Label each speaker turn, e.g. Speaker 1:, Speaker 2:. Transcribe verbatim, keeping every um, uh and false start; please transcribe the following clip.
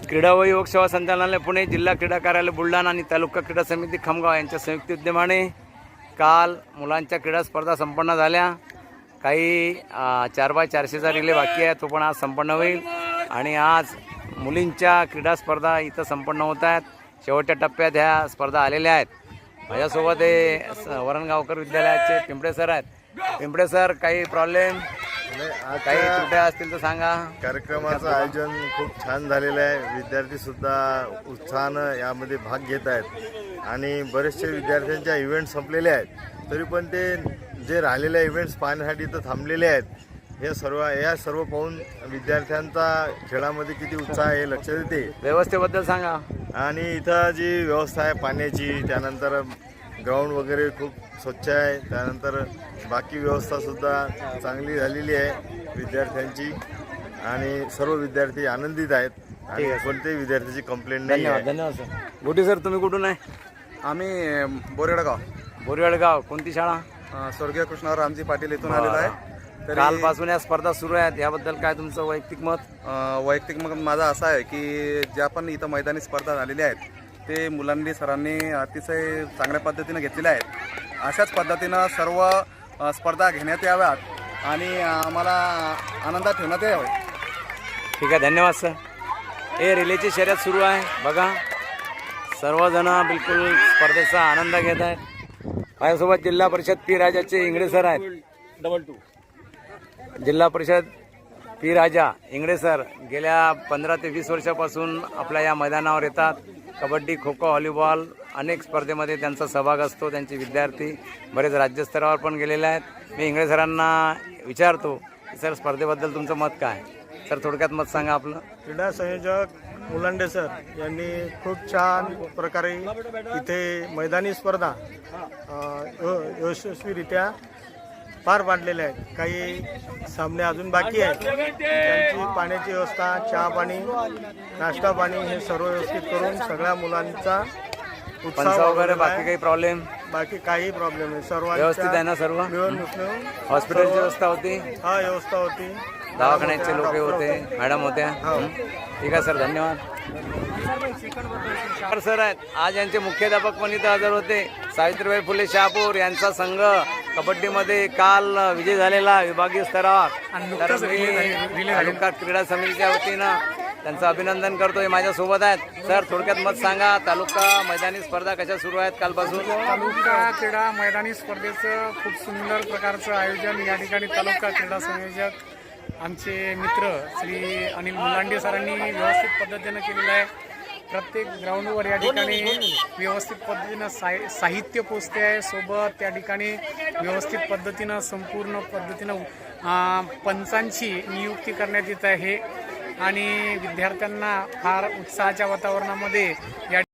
Speaker 1: क्रीडा व युवक सेवा संचालनालय पुणे, जिल्हा क्रीडा कार्यालय बुलढाणा आणि तालुका क्रीडा समिती खामगाव यांच्या संयुक्त विद्यमाने काल मुलांच्या क्रीडा स्पर्धा संपन्न झाल्या। काही चार बाय चारशेचा रिले बाकी आहे, तो पण आज संपन्न होईल। आणि आज मुलींच्या क्रीडा स्पर्धा इथं संपन्न होत आहेत। शेवटच्या टप्प्यात ह्या स्पर्धा आलेल्या आहेत। माझ्यासोबत हे वरणगावकर विद्यालयाचे पिंपळे सर आहेत। पिंपळे सर, काही प्रॉब्लेम काही त्रुट्या असतील तर सांगा।
Speaker 2: कार्यक्रमाचं आयोजन खूप छान झालेलं आहे। विद्यार्थी सुद्धा उत्साहानं यामध्ये भाग घेत आहेत आणि बरेचसे विद्यार्थ्यांच्या इव्हेंट संपलेले आहेत, तरी पण ते जे राहिलेले इव्हेंट्स पाहण्यासाठी तर थांबलेले आहेत। हे सर्व या सर्व पाहून विद्यार्थ्यांचा खेळामध्ये किती उत्साह आहे लक्ष देते।
Speaker 1: व्यवस्थेबद्दल सांगा।
Speaker 2: आणि इथं जी व्यवस्था आहे पाण्याची, त्यानंतर ग्राउंड वगैरे खूप स्वच्छ आहे, त्यानंतर बाकी व्यवस्थासुद्धा चांगली झालेली आहे विद्यार्थ्यांची आणि सर्व विद्यार्थी आनंदित आहेत आणि कोणत्याही विद्यार्थ्याची कंप्लेंट नाही आहे।
Speaker 1: धन्यवाद सर। गोटी सर, तुम्ही कुठून आहे?
Speaker 3: आम्ही बोरेडगाव
Speaker 1: बोरेडगाव। कोणती शाळा?
Speaker 3: स्वर्गीय कृष्णराव रामजी पाटील इथून आलेलो आहे।
Speaker 1: कालपासून या स्पर्धा सुरू आहेत, याबद्दल काय तुमचं वैयक्तिक मत?
Speaker 3: वैयक्तिक मत माझं असं आहे की ज्या पण इथं मैदानी स्पर्धा झालेल्या आहेत ते मुलांनी सरांनी अतिशय चांगल्या पद्धतीनं घेतलेल्या आहेत। अशाच पद्धतीनं सर्व स्पर्धा घेण्यात याव्यात आणि आम्हाला आनंदात ठेवण्यात यावे।
Speaker 1: ठीक आहे, धन्यवाद सर। हे रिलेची शर्यत सुरू आहे, बघा सर्वजण बिलकुल स्पर्धेचा आनंद घेत आहेत। माझ्यासोबत जिल्हा परिषद पी राजाचे इंगळे सर आहेत। Double two Zilla Parishad P राजा इंगळे सर गेल्या पंधरा ते वीस वर्षापासून आपल्या या मैदानावर येतात। कबड्डी, खो खो, व्हॉलीबॉल अनेक स्पर्धेमध्ये त्यांचा सहभाग असतो। त्यांचे विद्यार्थी बरेच राज्यस्तरावर पण गेलेले आहेत। मी इंगळे सरांना विचारतो की सर, स्पर्धेबद्दल तुमचं मत काय? सर, थोडक्यात मत सांगा आपलं।
Speaker 4: क्रीडा संयोजक मुलांडे सर यांनी खूप छान प्रकारे इथे मैदानी स्पर्धा यशस्वीरित्या पार पाडलेले आहेत। काही सामने अजून बाकी आहेत, त्यांची पाण्याची व्यवस्था, चहा पाणी, नाश्ता पाणी हे सर्व व्यवस्थित करून सगळ्या मुलांचा उत्साह
Speaker 1: वगैरे बाकी काही प्रॉब्लेम?
Speaker 4: बाकी काही प्रॉब्लेम नाही, सर्व
Speaker 1: व्यवस्थित आहे ना? सर्व
Speaker 4: मिळून मिसळून
Speaker 1: हॉस्पिटलची व्यवस्था होती?
Speaker 4: हा, व्यवस्था होती।
Speaker 1: दवाखान्याचे लोक होते, मॅडम होत्या? ठीक आहे सर, धन्यवाद। सर आहेत आज यांचे मुख्याध्यापक पण इथं हजर होते। सावित्रीबाई फुले शहापूर यांचा संघ कबड्डीमध्ये काल विजय झालेला विभागीय स्तरावर। तालुका क्रीडा समितीच्या वतीनं त्यांचं अभिनंदन करतोय। माझ्यासोबत आहेत सर, थोडक्यात मत सांगा। तालुका मैदानी स्पर्धा कशा सुरू आहेत कालपासून?
Speaker 5: तालुका क्रीडा मैदानी स्पर्धेचं खूप सुंदर प्रकारचं आयोजन या ठिकाणी तालुका क्रीडा संयोजक आमचे मित्र श्री अनिल मुलांडे सरांनी व्यवस्थित पद्धतीनं केलेलं आहे। प्रत्येक ग्राउंडवर या ठिकाणी व्यवस्थित पद्धतीनं साहि साहित्य पोचते आहे। सोबत त्या ठिकाणी व्यवस्थित पद्धतीनं संपूर्ण पद्धतीनं पंचांची नियुक्ती करण्यात येत आहे आणि विद्यार्थ्यांना फार उत्साहाच्या वातावरणामध्ये या